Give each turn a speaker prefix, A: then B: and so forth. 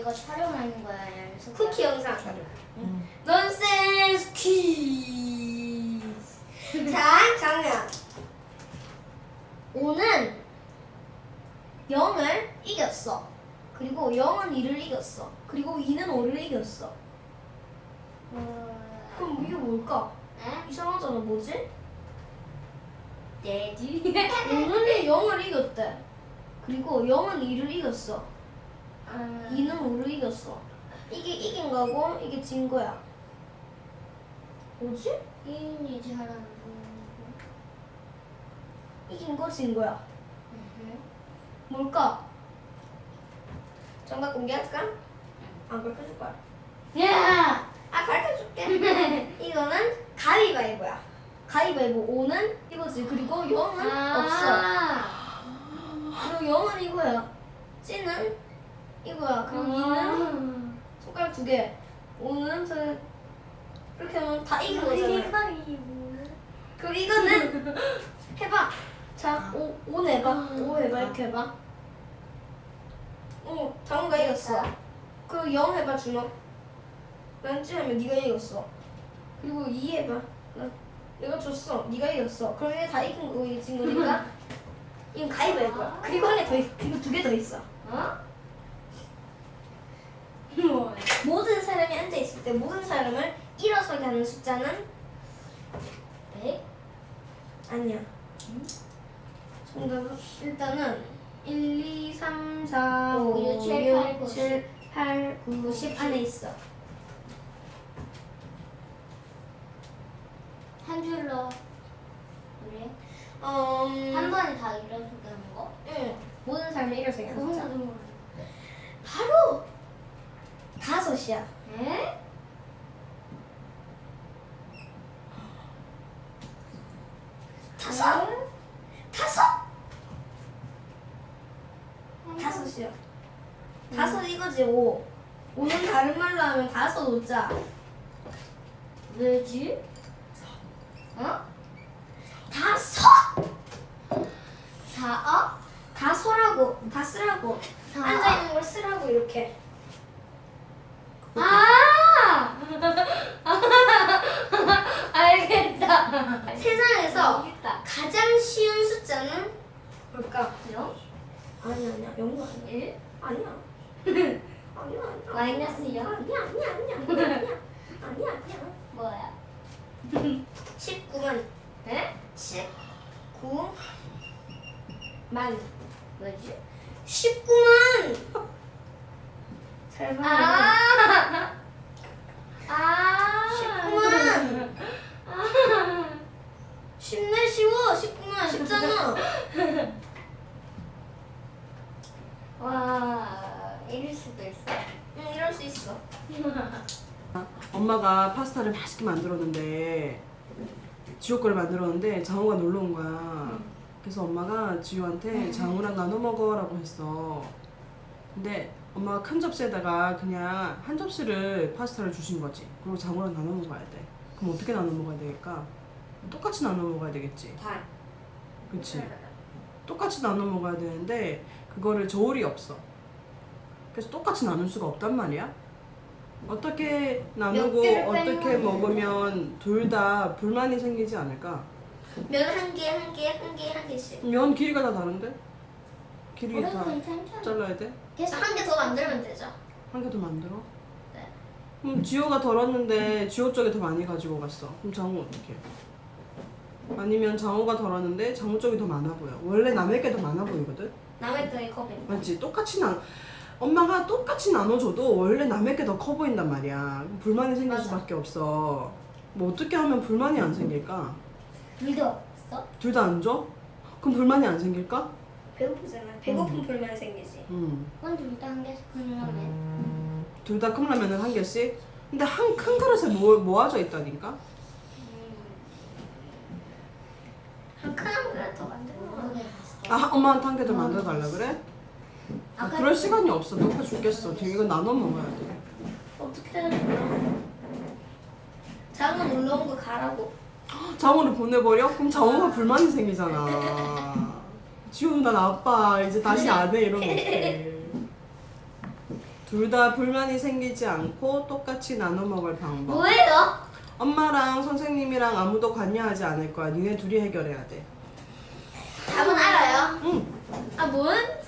A: 이거 촬영하는 거야, 연습.
B: 쿠키 영상. 넌센스 퀴즈. 자, 정연.
C: 5는 0을 이겼어. 그리고 0은 2를 이겼어. 그리고 2는 5를 이겼어. 그럼 이게 뭘까?
A: 에?
C: 이상하잖아. 뭐지?
A: 내지.
C: 5는 0을 이겼대. 그리고 0은 2를 이겼어. 2는 5를 이겼어. 이게 이긴 거고 이게 진 거야. 뭐지?
A: 이인이 잘하는
C: 이긴 거 진 거야. 뭘까?
B: 정답 공개할까? 안 가르쳐줄 거야.
A: 야!
B: 아, 가르쳐줄게. 이거는 가위바위보야.
C: 가위바위보 5는 이거지. 그리고 0은 없어. 그리고 0은 이거야. 찌는 이거야. 그리고 2는 손가락 2개. 5는 이렇게 하면 다 이긴 거잖아. 그리고 이거는 해봐. 자, 5 내봐. 5 해봐. 이렇게 해봐. 장우가 이겼어. 그리고 0 해봐. 주먹. 난 찌하면 네가 이겼어. 그리고 2 해봐. 내가 졌어. 네가 이겼어. 그럼 얘 다 이긴 거고 이게 진 거니까 이건 가위바위보야. 그리고 한 개 더 있. 그리고 2개 더 있어.
A: 뭐야?
C: 모든 사람이 앉아 있을 때 모든 사람을 일어서게 하는 숫자는
A: 100?
C: 아니야. 정답은 일단은 1, 2, 3, 4, 5, 6, 7, 8, 9, 10 안에 있어.
A: 한 줄로. 그래?
C: 한
A: 한 번에 다 일어서게 하는 거?
C: 응. 모든 사람을 일어서게 하는 숫자.
A: 응.
C: 바로 5이야.
A: 에?
C: 다섯. 다섯. 다섯이야. 다섯 이거지 5. 5는 다른 말로 하면 다섯 오자.
A: 왜지?
C: 다섯.
A: 사,
C: 다 서라고. 다 쓰라고.
A: 사.
C: 앉아 있는 걸 쓰라고 이렇게.
A: 아! 알겠다.
C: 세상에서
A: 알겠다.
C: 가장 쉬운 숫자는 뭘까?
A: 0?
C: 아니야. 0도 아니야.
A: 1?
C: 아니야. 아니야.
A: 마이너스 0?
C: 아니야.
A: 뭐야?
C: 19만.
A: 에?
C: 19만.
A: 뭐지?
C: 19만. 잘 봐.
A: 아!
C: 19만. 쉽네 쉬워. 19만 쉽잖아.
A: 와, 이럴 수도 있어.
C: 응, 이럴 수 있어.
D: 엄마가 파스타를 맛있게 만들었는데 지호 거를 만들었는데 장우가 놀러 온 거야. 그래서 엄마가 지호한테 장우랑 나눠 먹어라고 했어. 근데 엄마가 큰 접시에다가 그냥 한 접시를 파스타를 주신 거지. 그리고 장우랑 나눠 먹어야 돼. 그럼 어떻게 나눠 먹어야 되니까? 똑같이 나눠 먹어야 되겠지.
C: 반.
D: 그치? 똑같이 나눠 먹어야 되는데 그거를 저울이 없어. 그래서 똑같이 나눌 수가 없단 말이야. 어떻게 나누고
C: 개를
D: 어떻게
C: 빼면
D: 먹으면 둘 다 불만이 생기지 않을까?
C: 면 한 개씩.
D: 면 길이가 다 다른데? 길이 다
A: 괜찮잖아.
D: 잘라야 돼?
C: 그래서 한 개 더 만들면 되죠.
D: 한 개 더 만들어?
C: 네.
D: 그럼 지호가 덜었는데 지호 쪽에 더 많이 가지고 갔어. 그럼 장우 어떻게? 아니면 장우가 덜었는데 장우 쪽이 더 많아 보여. 원래 남의 게 더 많아 보이거든?
C: 남의 거에 컵에.
D: 맞지? 엄마가 똑같이 나눠줘도 원래 남의 게 더 커 보인단 말이야. 불만이 생길
C: 맞아.
D: 수밖에 없어. 뭐 어떻게 하면 불만이 안 생길까?
A: 둘도 없어?
D: 둘 다 안 줘? 그럼 불만이 안 생길까?
C: 배고프잖아. 배고픈 불만 생기지.
A: 그건 둘다 한 개씩 하면
D: 둘 다 컵라면은 한 개씩? 근데 한 큰 그릇에 모아져 있다니까?
C: 한 큰 그릇 더 만들어.
A: 모르겠어.
D: 아, 엄마한테 한 개 더 만들어 달라 그래? 아, 그럴 시간이 없어. 배고파 죽겠어. 지금 이거 나눠 먹어야 돼.
C: 어떻게 해야 되나? 장은 놀러 온 거 가라고.
D: 장호를 보내버려? 그럼 장호가 불만이 생기잖아. 지호 누나 아빠 이제 다시 안 해 이러면 어떡해. 둘 다 불만이 생기지 않고 똑같이 나눠 먹을 방법.
A: 뭐예요?
D: 엄마랑 선생님이랑 아무도 관여하지 않을 거야. 니네 둘이 해결해야 돼.
A: 답은 알아요.
D: 응.
C: 아 뭔?